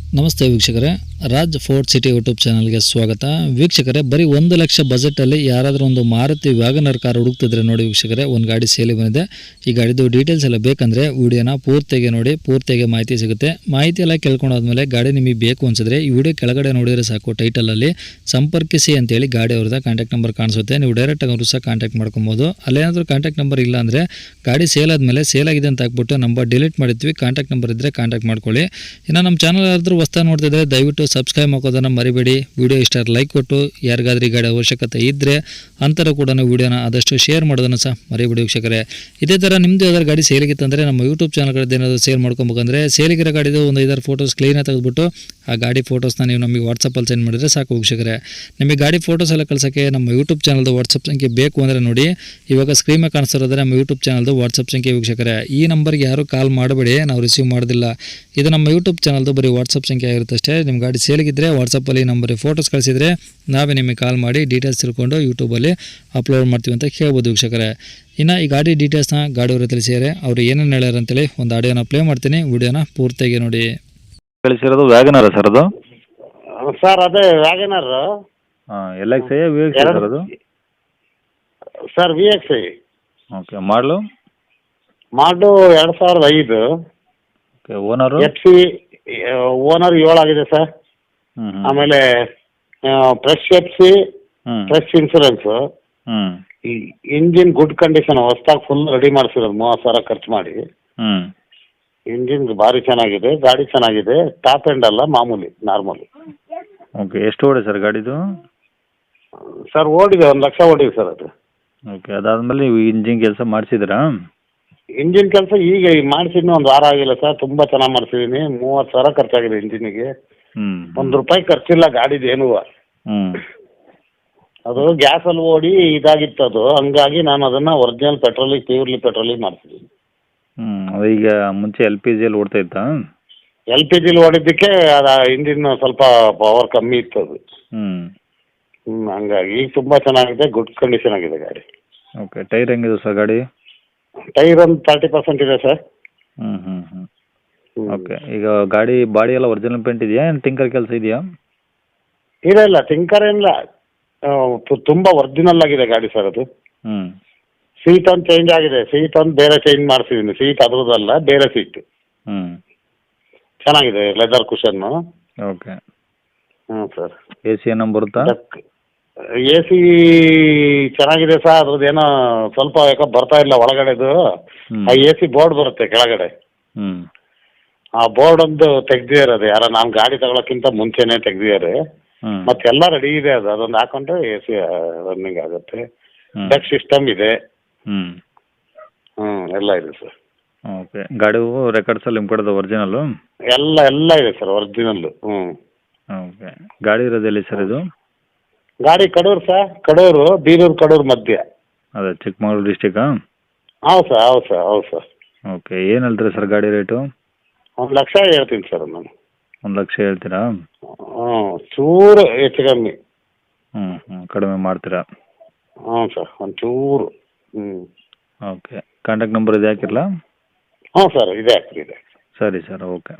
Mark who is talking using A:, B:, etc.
A: ನಮಸ್ತೆ ವೀಕ್ಷಕರೇ, Raj fort city YouTube ಚಾನಲ್ಗೆ ಸ್ವಾಗತ. ವೀಕ್ಷಕರೇ, ಬರೀ 1 ಲಕ್ಷ ಬಜೆಟಲ್ಲಿ ಯಾರಾದರೂ ಒಂದು ಮಾರುತಿ ವ್ಯಾಗನರ್ ಕಾರ್ ಹುಡುಕ್ತಿದ್ರೆ ನೋಡಿ ವೀಕ್ಷಕರೇ, ಒಂದು ಗಾಡಿ ಸೇಲಿ ಬಂದಿದೆ. ಈ ಗಾಡಿದು ಡೀಟೇಲ್ಸ್ ಎಲ್ಲ ಬೇಕಂದರೆ ವಿಡಿಯೋನ ಪೂರ್ತಿಯಾಗಿ ನೋಡಿ, ಪೂರ್ತಿಯಾಗಿ ಮಾಹಿತಿ ಸಿಗುತ್ತೆ. ಮಾಹಿತಿ ಎಲ್ಲ ಕೇಳ್ಕೊಂಡಾದ್ಮೇಲೆ ಗಾಡಿ ನಿಮಗೆ ಬೇಕು ಅನಿಸಿದ್ರೆ ಈ ವಿಡಿಯೋ ಕೆಳಗಡೆ ನೋಡಿದರೆ ಸಾಕು, ಟೈಟಲಲ್ಲಿ ಸಂಪರ್ಕಿಸಿ ಅಂತೇಳಿ ಗಾಡಿ ಅವ್ರದ್ದು ಕಾಂಟ್ಯಾಕ್ಟ್ ನಂಬರ್ ಕಾಣಿಸುತ್ತೆ. ನೀವು ಡೈರೆಕ್ಟಾಗಿ ಅವರು ಸಹ ಕಾಂಟ್ಯಾಕ್ಟ್ ಮಾಡ್ಕೊಬೋದು. ಅಲ್ಲೇನಾದರೂ ಕಾಂಟ್ಯಾಕ್ಟ್ ನಂಬರ್ ಇಲ್ಲ ಅಂದರೆ ಗಾಡಿ ಸೇಲ್ ಆದಮೇಲೆ ಸೇಲ್ ಆಗಿದೆ ಅಂತ ಹಾಕ್ಬಿಟ್ಟು ನಂಬರ್ ಡಿಲೀಟ್ ಮಾಡಿರ್ತೀವಿ. ಕಾಂಟ್ಯಾಕ್ಟ್ ನಂಬರ್ ಇದ್ದರೆ ಕಾಂಟ್ಯಾಕ್ಟ್ ಮಾಡ್ಕೊಳ್ಳಿ. ಇನ್ನು ನಮ್ಮ ಚಾನಲ್ ಯಾರಾದರೂ ಹೊಸ್ತಾಗಿ ನೋಡ್ತಿದ್ರೆ ದಯವಿಟ್ಟು ಸಬ್ಸ್ಕ್ರೈಬ್ ಹಾಕೋದನ್ನು ಮರಿಬೇಡಿ. ವಿಡಿಯೋ ಇಷ್ಟ ಲೈಕ್ ಕೊಟ್ಟು, ಯಾರಿಗಾದ್ರೂ ಈ ಗಾಡಿ ಅವಶ್ಯಕತೆ ಇದ್ದರೆ ಅಂತರ ಕೂಡ ವಿಡಿಯೋನ ಆದಷ್ಟು ಶೇರ್ ಮಾಡೋದನ್ನು ಸಹ ಮರಿಬೇಡಿ ವೀಕ್ಷಕರೇ. ಇದೇ ಥರ ನಿಮ್ಮದು ಯಾವ್ದಾದ್ರು ಗಾಡಿ ಸೇಲಿಗಿತ್ತಂದರೆ ನಮ್ಮ ಯೂಟ್ಯೂಬ್ ಚಾನಲ್ಗಳದ್ದು ಏನಾದರೂ ಸೇಲ್ ಮಾಡ್ಕೊಬೇಕಂದ್ರೆ ಸೇಲಿಗಿರೋ ಗಾಡಿದು ಒಂದು 5 ಫೋಟೋಸ್ ಕ್ಲೀನಾಗಿ ತೆಗೆದುಬಿಟ್ಟು ಆ ಗಾಡಿ ಫೋಟೋಸ್ನ ನೀವು ನಮಗೆ ವಾಟ್ಸಪ್ಪಲ್ಲಿ ಸೆಂಡ್ ಮಾಡಿದರೆ ಸಾಕು ವೀಕ್ಷಕರೇ. ನಿಮಗೆ ಗಾಡಿ ಫೋಟೋಸ್ ಎಲ್ಲ ಕಳ್ಸೋಕ್ಕೆ ನಮ್ಮ ಯೂಟ್ಯೂಬ್ ಚಾನಲ್ದು ವಾಟ್ಸಪ್ ಸಂಖ್ಯೆ ಬೇಕು ಅಂದರೆ ನೋಡಿ, ಇವಾಗ ಸ್ಕ್ರೀನ್ ಮೇಲೆ ಕಾಣಿಸ್ತಿರೋದ್ರೆ ನಮ್ಮ ಯೂಟ್ಯೂಬ್ ಚಾನಲ್ದು ವಾಟ್ಸಪ್ ಸಂಖ್ಯೆ ವೀಕ್ಷಕರೇ. ಈ ನಂಬರ್ಗೆ ಯಾರು ಕಾಲ್ ಮಾಡಬೇಡಿ, ನಾವು ರಿಸೀವ್ ಮಾಡೋದಿಲ್ಲ. ಇದು ನಮ್ಮ ಯೂಟ್ಯೂಬ್ ಚಾನಲ್ದು ಬರೀ ವಾಟ್ಸಪ್ ಸಂಖ್ಯೆ ಆಗಿರುತ್ತೆ ಅಷ್ಟೇ. ನಿಮ್ಮ ಗಾಡಿ ಸೇಲಿಗಿದ್ದರೆ ವಾಟ್ಸಪ್ಪಲ್ಲಿ ನಂಬರಿಗೆ ಫೋಟೋಸ್ ಕಳಿಸಿದರೆ ನಾವೇ ನಿಮಗೆ ಕಾಲ್ ಮಾಡಿ ಡೀಟೇಲ್ಸ್ ತಿಳ್ಕೊಂಡು ಯೂಟ್ಯೂಬಲ್ಲಿ ಅಪ್ಲೋಡ್ ಮಾಡ್ತೀವಿ ಅಂತ ಕೇಳ್ಬೋದು ವೀಕ್ಷಕರೇ. ಇನ್ನು ಈ ಗಾಡಿ ಡೀಟೇಲ್ಸ್ನ ಗಾಡಿಯವರು ತಿಳಿಸಿದರೆ ಅವರು ಏನೇನು ಹೇಳ್ಯಾರ ಅಂತೇಳಿ ಒಂದು ಆಡಿಯೋನ ಪ್ಲೇ ಮಾಡ್ತೀನಿ, ವಿಡಿಯೋನ ಪೂರ್ತಿಯಾಗಿ ನೋಡಿ.
B: ಕಳಿಸಿರೋದು ವ್ಯಾಗನರ ಸರ್ ಅದು?
C: ಸರ್ ಅದೇ Wagon R.
B: L X I V X sir ಅದು?
C: Sir V X I.
B: Okay, model?
C: Model 2005.
B: Okay, owner?
C: F C owner 7 ಆಗಿದೆ ಸರ್.
B: ಹ್ಞೂ
C: ಆಮೇಲೆ fresh F C, fresh insurance.
B: ಹ್ಞೂ
C: ಈ ಇಂಜಿನ್ ಗುಡ್ ಕಂಡೀಷನ್, ಹೊಸ್ದಾಗಿ ಫುಲ್ ರೆಡಿ ಮಾಡಿಸಿರೋದು 30,000 ಖರ್ಚು ಮಾಡಿ.
B: ಹ್ಞೂ
C: ಇಂಜಿನ್ ಭಾರಿ ಚೆನ್ನಾಗಿದೆ, ಗಾಡಿ ಚೆನ್ನಾಗಿದೆ. ಟಾಪ್ ಎಂಡ್ ಅಲ್ಲ, ಮಾಮೂಲಿ ನಾರ್ಮಲಿ.
B: ಓಕೆ, ಎಷ್ಟು ಓಡಿ ಸರ್ ಗಾಡಿದು?
C: ಸರ್ ಓಡಿದೆ, 1 ಲಕ್ಷ ಓಡಿದೆ ಸರ್ ಅದು.
B: ಓಕೆ, ಅದಾದಮೇಲೆ ನೀವು ಇಂಜಿನ್ ಕೆಲಸ ಮಾಡಿಸಿದ್ರಾ?
C: ಇಂಜಿನ್ ಕೆಲಸ ಈಗ ಮಾಡಿಸಿದ್ನು 1 ವಾರ ಆಗಿಲ್ಲ ಸರ್. ತುಂಬ ಚೆನ್ನಾಗಿ ಮಾಡಿಸಿದ್ದೀನಿ. 30,000 ಖರ್ಚಾಗಿದೆ ಇಂಜಿನಿಗೆ.
B: ಹ್ಞೂ
C: ₹1 ಖರ್ಚಿಲ್ಲ ಗಾಡಿದು ಏನೂ.
B: ಹ್ಞೂ
C: ಅದು ಗ್ಯಾಸಲ್ಲಿ ಓಡಿ ಇದಾಗಿತ್ತು ಅದು, ಹಂಗಾಗಿ ನಾನು ಅದನ್ನು ಒರಿಜಿನಲ್ ಪೆಟ್ರೋಲಿಗೆ, ಪ್ಯೂರ್ಲಿ ಪೆಟ್ರೋಲಿಗೆ ಮಾಡಿಸಿದ್ದೀನಿ.
B: ಅದು ಈಗ ಮುಂಚೆ ಎಲ್ ಪಿ ಜಿಯಲ್ಲಿ ಓಡ್ತಾ ಇತ್ತಾ?
C: ಎಲ್ ಪಿ ಜಿಲಿ ಓಡಿದ್ದಕ್ಕೆ ಅದು ಇಂಜಿನ್ ಸ್ವಲ್ಪ ಪವರ್ ಕಮ್ಮಿ ಇತ್ತು ಅದು. ಹಂಗಾಗಿ ಈಗ ತುಂಬ ಚೆನ್ನಾಗಿದೆ, ಗುಡ್ ಕಂಡೀಷನ್ ಆಗಿದೆ ಗಾಡಿ.
B: ಓಕೆ, ಟೈರ್ ಹೆಂಗಿದೆ ಸರ್ ಗಾಡಿ?
C: ಟೈರ್ ಒಂದು 30% ಇದೆ ಸರ್.
B: ಹ್ಞೂ ಹ್ಞೂ ಹ್ಞೂ ಓಕೆ, ಈಗ ಗಾಡಿ ಬಾಡಿ ಎಲ್ಲ ಒರಿಜಿನಲ್ ಪೇಂಟ್ ಇದೆಯಾ, ಏನು ಟಿಂಕರ್ ಕೆಲಸ ಇದೆಯಾ?
C: ಇಲ್ಲ ಟಿಂಕರ್ ಏನಿಲ್ಲ, ತುಂಬ ಒರಿಜಿನಲ್ ಆಗಿದೆ ಗಾಡಿ ಸರ್ ಅದು.
B: ಹ್ಞೂ
C: ಸೀಟ್ ಒಂದು ಚೇಂಜ್ ಆಗಿದೆ, ಸೀಟ್ ಒಂದು ಬೇರೆ ಚೇಂಜ್ ಮಾಡಿಸಿದ್ದೀನಿ. ಸೀಟ್ ಅದ್ರದ್ದಲ್ಲ, ಬೇರೆ ಸೀಟ್.
B: ಹ್ಞೂ
C: ಚೆನ್ನಾಗಿದೆ, ಲೆದರ್ ಕುಷನ್ನು.
B: ಓಕೆ.
C: ಹ್ಞೂ ಸರ್.
B: ಎ ಸಿ ಏನೋ ಬರುತ್ತಾ?
C: ಎ ಸಿ ಚೆನ್ನಾಗಿದೆ ಸರ್. ಅದ್ರದ್ದು ಏನೋ ಸ್ವಲ್ಪ ಯಾಕೋ ಬರ್ತಾ ಇಲ್ಲ ಒಳಗಡೆದು. ಆ ಎ ಸಿ ಬೋರ್ಡ್ ಬರುತ್ತೆ ಕೆಳಗಡೆ,
B: ಹ್ಞೂ
C: ಆ ಬೋರ್ಡ್ ಒಂದು ತೆಗ್ದಿದ್ದಾರೆ. ಅದು ಯಾರೋ ನಾನು ಗಾಡಿ ತಗೊಳಕ್ಕಿಂತ ಮುಂಚೆನೇ ತೆಗ್ದಿದ್ದಾರೆ. ಮತ್ತೆಲ್ಲ ರೆಡಿ ಇದೆ. ಅದೊಂದು ಹಾಕೊಂಡ್ರೆ ಎ ಸಿ ರನ್ನಿಂಗ್ ಆಗುತ್ತೆ. ಡಕ್ ಸಿಸ್ಟಮ್ ಇದೆ. ಎಲ್ಲ ಇದೆ ಸರ್.
B: ಓಕೆ, ಗಾಡಿ ರೆಕಾರ್ಡ್ಸಲ್ಲಿ ನಿಮ್ಮ ಕಡೆದು ಒರಿಜಿನಲ್ಲು?
C: ಎಲ್ಲ ಇದೆ ಸರ್ ಒರಿಜಿನಲ್ಲು.
B: ಓಕೆ, ಗಾಡಿ ಇರೋದು ಎಲ್ಲಿ ಸರ್ ಇದು?
C: ಗಾಡಿ ಕಡೂರು ಸರ್, ಕಡೂರು, ಬೀರೂರು ಕಡೂರು ಮಧ್ಯೆ.
B: ಅದೇ ಚಿಕ್ಕಮಗಳೂರು ಡಿಸ್ಟಿಕ್ಕಾ?
C: ಹೌದು ಸರ್.
B: ಓಕೆ, ಏನು ಹೇಳ್ತೀರಾ ಸರ್ ಗಾಡಿ ರೇಟು?
C: 1 ಲಕ್ಷ ಹೇಳ್ತೀನಿ ಸರ್ ನಾನು.
B: 1 ಲಕ್ಷ ಹೇಳ್ತೀರಾ?
C: ಚೂರು ಹೆಚ್ಚು ಕಮ್ಮಿ.
B: ಕಡಿಮೆ ಮಾಡ್ತೀರಾ?
C: ಸರ್ ಒಂಚೂರು.
B: ಓಕೆ, ಕಾಂಟ್ಯಾಕ್ಟ್ ನಂಬರ್ ಇದು ಹಾಕಿರಲಾ?
C: ಸರ್ ಇದೆ.
B: ಸರಿ ಸರ್, ಓಕೆ.